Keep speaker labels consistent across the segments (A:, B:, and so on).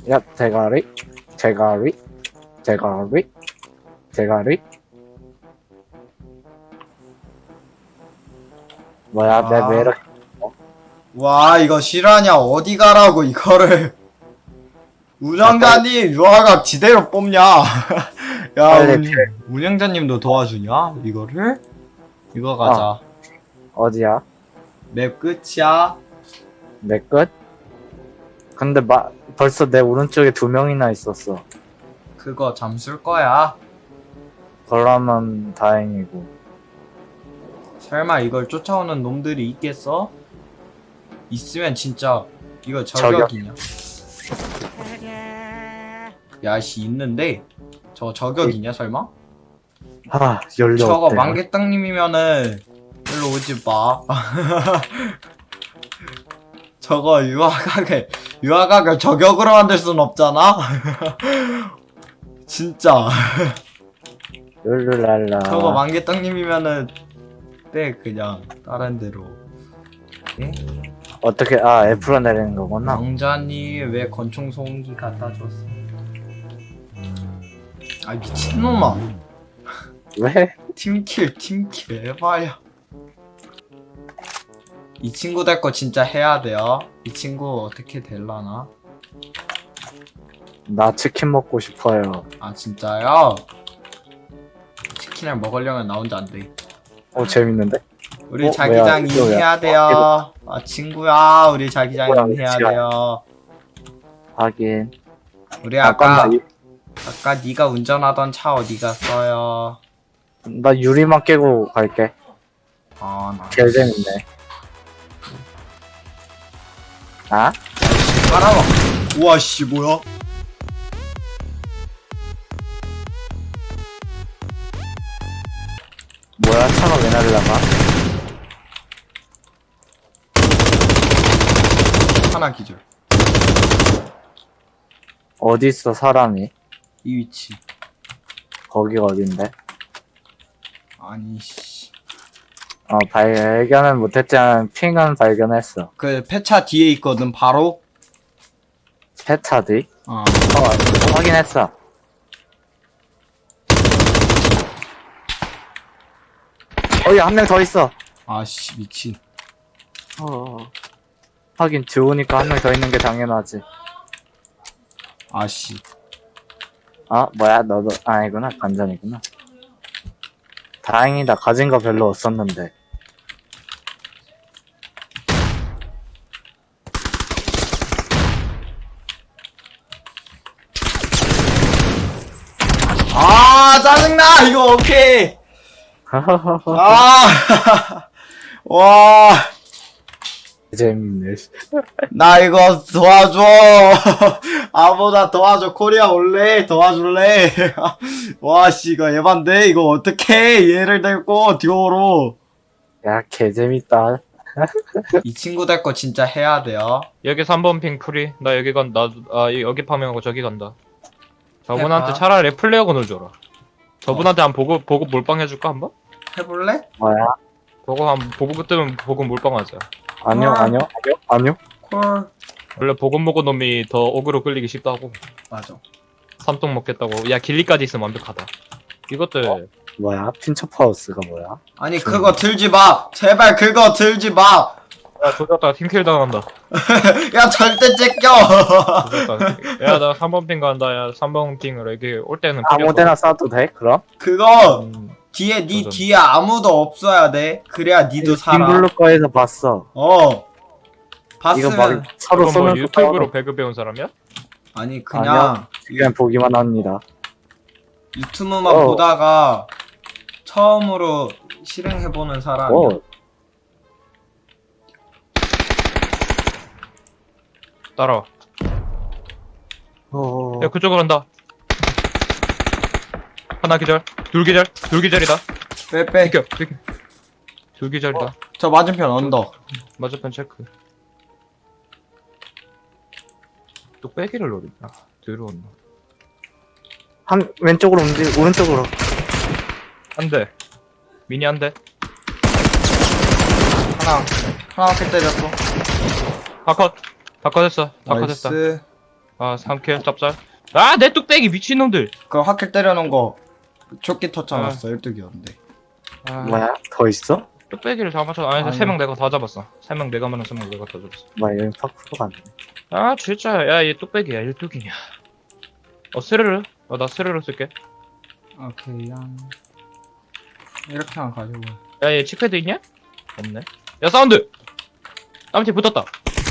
A: 야, 대가리, 대가리, 대가리, 대가리. 뭐야, 내 매력.
B: 와, 이거 실화냐? 어디 가라고 이거를. 운영자님, 유화각 지대로 뽑냐? 야,
A: 빨리 피해.
B: 운영자님도 도와주냐? 이거를? 이거 가자.
A: 어디야?
B: 맵 끝이야.
A: 내 끝? 근데 벌써 내 오른쪽에 2명이나 있었어.
B: 그거 잠술 거야.
A: 그러면 다행이고.
B: 설마 이걸 쫓아오는 놈들이 있겠어? 있으면 진짜 이거 저격이냐? 야씨 있는데 저거 저격이냐 설마?
A: 연료
B: 저거
A: 없대.
B: 망개땅님이면은 일로 오지 마. 저거 유화각을 저격으로 만들 순 없잖아. 진짜.
A: 룰루랄라.
B: 저거 망개땅님이면은 빼 그냥 다른 데로. 예?
A: 어떻게, F로 내리는 거구나.
B: 왕자님 왜 권총 소음기 갖다 줬어? 아 미친놈아.
A: 왜?
B: 팀킬 해봐요. 이 친구 될 거 진짜 해야 돼요. 이 친구 어떻게 될라나?
A: 나 치킨 먹고 싶어요.
B: 아 진짜요? 치킨을 먹으려면 나 혼자 안 돼.
A: 재밌는데?
B: 우리
A: 뭐야,
B: 자기장
A: 이거 왜-
B: 인해야 돼요. 아 친구야, 우리 자기장
A: 뭐야,
B: 인해야
A: 위치가.
B: 돼요.
A: 하긴.
B: 우리
A: 아까
B: 아까 네가 운전하던 차 어디 갔어요?
A: 나 유리만 깨고 갈게.
B: 나
A: 개 재밌네. 아?
B: 깔아봐. 우와 씨 뭐야?
A: 뭐야, 차가 왜 날라가?
B: 하나 기절.
A: 어디 있어, 사람이?
B: 이 위치.
A: 거기가 어딘데?
B: 아니 씨.
A: 발견은 못했지만 핑은 발견했어.
B: 그 폐차 뒤에 있거든 바로.
A: 세차 뒤?
B: 어.
A: 확인했어. 한 명 더 있어.
B: 아씨 미친.
A: 하긴 들어오니까 한 명 더 있는 게 당연하지.
B: 아씨.
A: 뭐야, 너도 아니구나. 관전이구나. 다행이다. 가진 거 별로 없었는데.
B: 짜증나 이거 오케이. 와.
A: 재밌네.
B: 나 이거 도와줘. 아무나 도와줘. 코리아 올래? 도와줄래? 와씨 이거 에반데 이거 어떡해. 얘를 데리고 듀오로.
A: 야, 개 재밌다.
B: 이 친구 될 거 진짜 해야 돼요.
C: 여기 3번 핑 프리. 나 여기 여기 파밍하고 저기 간다. 저분한테
B: 해봐.
C: 차라리 플레어건을 줘라. 저분한테 한 보고 몰빵 해줄까 한번?
B: 해볼래?
A: 뭐야?
C: 보고 뜨면 보고 몰빵하자.
A: 아니요.
B: 콜.
C: 원래 보고 먹은 놈이 더 어그로 끌리기 쉽다고.
B: 맞아.
C: 삼똥 먹겠다고. 야 길리까지 있으면 완벽하다. 이것들
A: 뭐야? 핀처파우스가 뭐야?
B: 아니 그거 들지 마. 제발 그거 들지 마.
C: 야 조졌다 팀킬 당한다.
B: 야 절대 째껴.
C: 야나 3번 핑 간다. 야 3번 핑으로 여기 올 때는
A: 아무데나 쏴도 돼? 그럼?
B: 그거
C: 음,
B: 뒤에 니
C: 도전.
B: 뒤에 아무도 없어야 돼. 그래야 니도 살아.
A: 빈블루 거에서 봤어. 이거 막
B: 봤으면
A: 서로
C: 이건 뭐
A: 쏘는
C: 유튜브로 배그 배운 사람이야?
B: 아니 그냥
A: 그냥 보기만 합니다.
B: 유튜브만
A: 어.
B: 보다가 처음으로 실행해보는 사람이야.
C: 따라와.
A: 어.
C: 야 그쪽으로 간다. 하나 기절, 둘 기절이다.
B: 빼빼.
C: 비켜. 둘 기절이다.
B: 저 맞은편 언덕.
C: 맞은편 체크. 또 빼기를 노린다. 들어온다.
A: 왼쪽으로 오른쪽으로.
C: 한 대. 미니 한 대.
B: 하나 킬 때렸어.
C: 다컷. 다 컷했어. 다 컷했다.
B: 나이스.
C: 아 3킬 짭짤. 아 내 뚝배기 미친놈들.
B: 그 화킬 때려놓은 거 조끼 터쳐놨어 12기였는데.
C: 아,
D: 뭐야? 더 있어?
C: 뚝배기를 다 맞춰. 아니
B: 아니야.
C: 3명 내가 다 잡았어. 3명 내가 말한 3명 내가 다 잡았어.
D: 뭐야, 여기 파쿠르가 안 돼.
C: 아 진짜 야얘 뚝배기야 1뚝이냐. 스르르. 나 스르르 쓸게.
B: 오케이 이렇게만 가지고.
C: 야얘 칙패드 있냐? 없네. 야 사운드. 땀티 붙었다.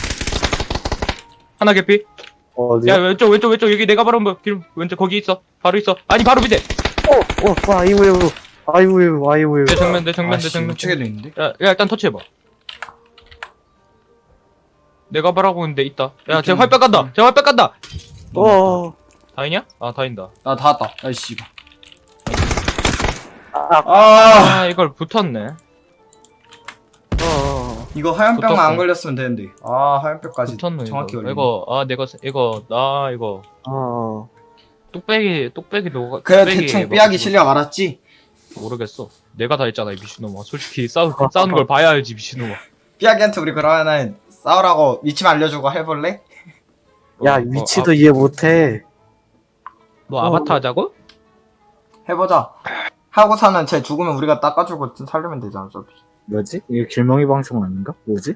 C: 하나 개피.
D: 어디야?
C: 야 왼쪽 여기 내가 바로 길 왼쪽 거기 있어. 바로 있어. 아니 바로 밑에.
D: 아이고.
C: 내 정면 내
B: 아씨
C: 정면.
B: 우측에도 있는데?
C: 야 일단 터치해봐. 내가 바라고 있는데 있다. 야 쟤 활백 간다. 쟤 활백 간다. 다이냐? 아 다인다.
B: 나 닿았다. 아이씨.
D: 아,
C: 아 이걸 붙었네.
B: 이거 하얀병만
C: 붙었어.
B: 안 걸렸으면 되는데. 아 하얀병까지
C: 붙었네
B: 정확히
C: 이거.
B: 걸리네.
C: 이거 아 내가 이거 뚝배기 너
B: 그래
C: 뚝배기
B: 대충
C: 뭐-
B: 삐약이 실력 알았지?
C: 모르겠어. 내가 다 했잖아 이 미친놈아. 솔직히 싸우는 걸 봐야 알지 미친놈아.
B: 삐약이한테 우리 그러면은 싸우라고 위치만 알려주고 해볼래?
D: 야, 위치도 이해 못해.
C: 너 아바타 하자고?
B: 해보자. 하고서는 쟤 죽으면 우리가 닦아주고 살리면 되잖아 어차피.
D: 뭐지? 이거 길명이 방송 아닌가? 뭐지?